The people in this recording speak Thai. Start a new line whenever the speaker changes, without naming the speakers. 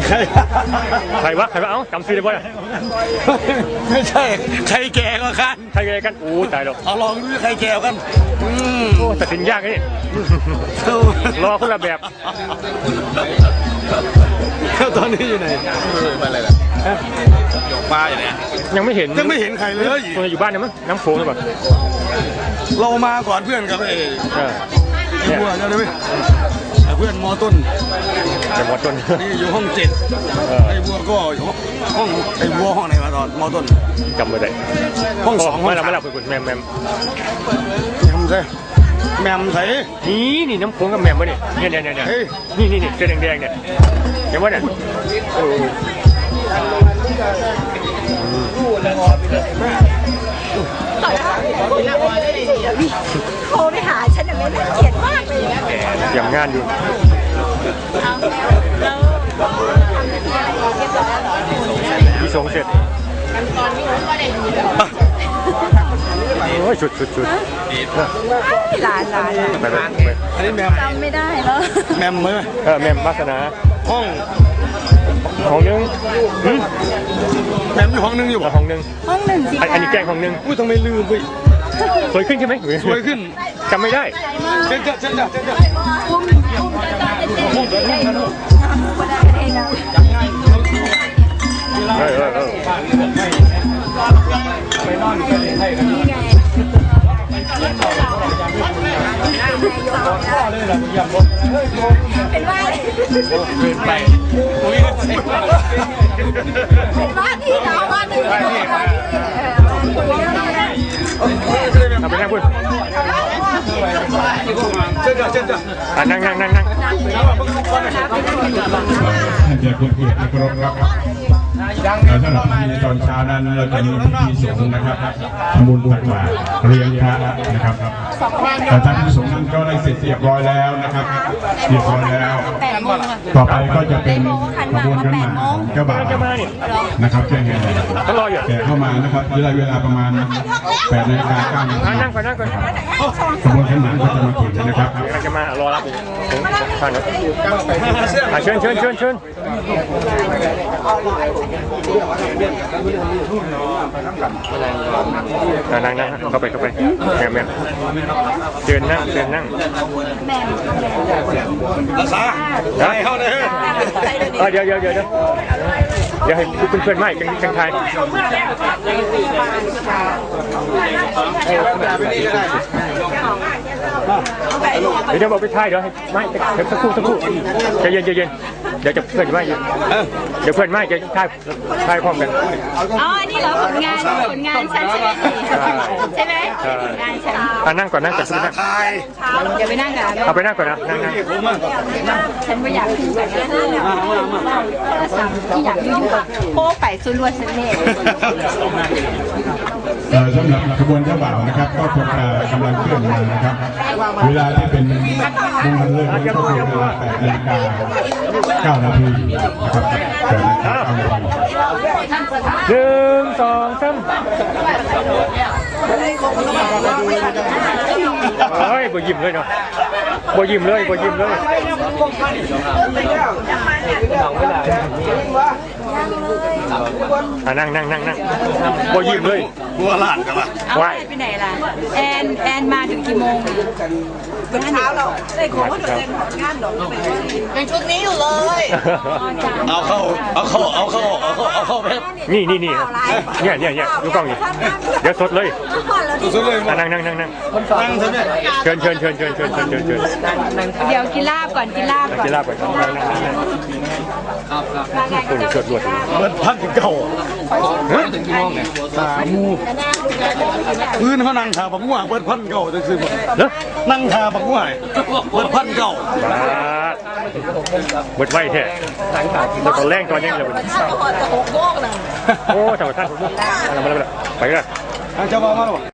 ใครวะเอ้าจำชื่อได้ป่ะ
ไม่ใช่ใครแก่ก็กัน
ใครแก่กันโอ้ตายแล้ว
เอาลองดูใครแก่กัน
โอ้ตัดสินยากนี่รอคนละแบบ
ตอนนี้อยู่ไหนมาอะไรล่ะปลาอย่างเนี้ย
ยังไม่เห็น
ใครเลย
คนอยู่บ้านเนี่ยมั้งน้ำโขงหรือเปล่า
เรามาก่อนเพื่อนกับไอ้บัวใช่ไหมเพื่อนมอต้น
แต่มอต้น
นี่อยู่ห้อง7ไอ้บัวก็ห้องไอ้บัวห้องไหนมาตอนมอต้น
จำไม่ได้
ห้อง2
ไม่รับคุณแมม
ใช่แมมใส่
นี่น้ำโขงกับแมมวะเนี่ยนี่เสื้อแดงเนี่ยเห็นวะเนี่ย
โทรไปหาฉันอย่างนี้น่าเกลียดมากเลย
อย่างงานอยู่
แล้วทำพิธีอะไรเรียบร้อยแล้วเหรอ
ที่สงเสร็จโอ้ยชุด
หลาน
อันนี้แมม
จำไม่ได้แล้ว
แมมไหม
แมมวาสนา
ห้อง
นึง
แมมอยู่ห้องนึงอยู่
ห้องนึง
สิ
อันนี้แกงห้องนึง
อุ้ยทำไมลืมไป
สวยขึ้นใช่ไหม
สวยขึ้น
จำไม่ได้
เจ้า
ไม่นอนเลยให้กัน
นี่ไงเป็นว่า
ไป
เป็นว่าที่เราว่าหนึ่ง
เอาไปนั่งพูด
เจ้า
นั่ง
ท่านเจ้าคุณเกียรติกรมครับสำหรับพิธีตอนเช้านั้นเราจะมีพิธีสงฆ์นะครับทำบุญตักบาตรเลี้ยงพระนะครับแต่ท่านผู้สงฆ์นั้นก็ได้เสร็จเรียบร้อยแล้วนะครับเรียบร้อยแล้วต่อไปก็จะเป็นขบวนขันหมากเจ้าบ่าวนะครับแจ้งให้แต่เข้ามานะครับเวลาประมาณ8 นาฬิกา 9 นาที
นั่งก่อน
ขบวนขันหมากก็จะมาถึงนะครับ
จะมารอรับอยู่ทางนั้นเชิญนั่งเข้าไปแม่เชิญนั่ง
รักษาได้เข้าเลย
เดี๋ยวให้เพื่อนๆไม่กันทายเดี๋ยวบอกไปทายเดี๋ยวให้ไม่สักครู่ใจเย็นเดี๋ยวจะเพื่อนไม่เดี๋ยวเพื่อนไม่จะทายพร้อมกัน
อ๋อนี่เหรอผลงานฉันใช่ไหมงานฉัน
นั่งก่อนสัก
ทาย
เดี๋ยวไปนั่งกัน
เอาไปนั่งก่อนนะนั่ง
ฉันไม่อยากคุยแบบนั้นที่อยากยุ่งกับโป๊ไปส่วนรวมฉันเนี่ย
สำหรับขบวนเจ้าบ่าวนะครับก็คงกำลังเคลื่อนมานะครับเวลาที่เป็นมงคลเลิกก็คือเวลา8 นาฬิกา 9 นาทีนะครับ8 นาฬิกา 9 นาที
1 2 3เฮ้ยบ่ยิ้มเลยเนาะบ่ยิ้มเลยนั่งบ่ยิ้มเลย
บัวหลานกันวะ
ไปไหนล่ะแอนมาถึงกี่โมงเป็นเช้าเราได้ของเขาโดนงานหรอเป็นชุดนี้อยู่เลย
เอาเข้าเพชร
นี่เนี่ยดูกล้องอยู่เดี๋ยวสดเลยนั่ง
นั่งใช่ไหม
เชิญ
เดี๋ยวกินลาบก่อน
คนเกิดรวด
เปิดพันเก่าถึงกี่โมงเนี่ย3 โมงพื้นเขานั่งขาปักหัวเปิดพันเก่าจะซื้อหมดนั่งขาปักหัวเปิดพันเก่า
เปิดไว้แท้แล้วก็แรงตอนยังเลยโอ้ชาวท่านไปกัน
เจ้าบ่าวมาหรอ